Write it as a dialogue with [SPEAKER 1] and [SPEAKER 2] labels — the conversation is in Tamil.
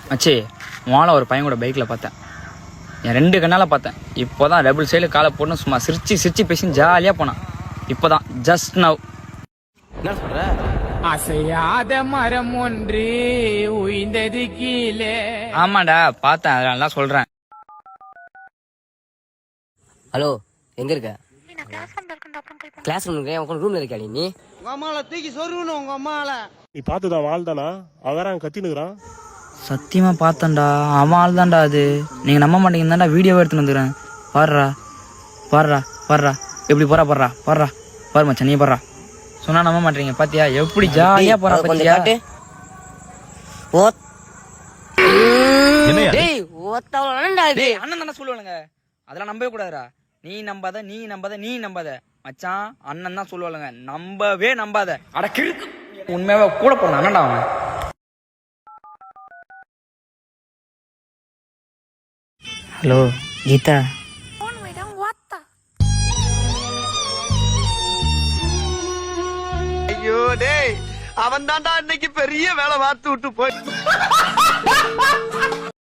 [SPEAKER 1] மச்சி வாழை ஒரு பையன் கூட பைக்கில் பார்த்தேன். என் 2 கண்ணால் பார்த்தேன். இப்போ தான் டபுள் சைடில் காலை போட்டு சும்மா சிரிச்சு பேசி ஜாலியாக போனான். இப்போ தான் ஜஸ்ட் நவ்.
[SPEAKER 2] என்ன சொல்ற?
[SPEAKER 3] அசையாத மரம் ஒன்று உயிர்ந்தது கீழே.
[SPEAKER 1] ஆமாண்டா பார்த்தேன், அதனால தான் சொல்கிறேன்.
[SPEAKER 2] ஹலோ, எங்க இருக்க? கிளாஸ் ரூம்ல இருக்கியா நீ?
[SPEAKER 4] உங்க அம்மால தூக்கி சொருகணும் உங்க அம்மால.
[SPEAKER 5] நீ பார்த்துதான் வாழ்தானா? அவன் கத்தினுக்குறான்.
[SPEAKER 1] சத்தியமாக பார்த்தேன்டா, அவன் ஆள் தான்டா அது. நீங்கள் நம்ப மாட்டீங்க தான்டா வீடியோவை எடுத்துன்னு வந்துக்கிறேன். பாடுறா எப்படி பாரு மச்சான், நீ பாடுறா. சொன்னா நம்ப மாட்டீங்க, பாத்தியா எப்படி ஜாலியா போறா பாத்தியா? அண்ணன் தானே சொல்லுவானுங்க, அதெல்லாம் நம்பவே கூடாதுடா. நீ நம்பாத மச்சான், அண்ணன் தான் சொல்லுவாளுங்க, நம்பவே நம்பாத. அட கிறுக்கு, உண்மையாவே கூட போறான் அண்ணன்டா அவன். ஹலோ கீதா,
[SPEAKER 4] ஐயோ டேய், அவன் தான்டா இன்னைக்கு பெரிய வேலை பார்த்து விட்டு போய்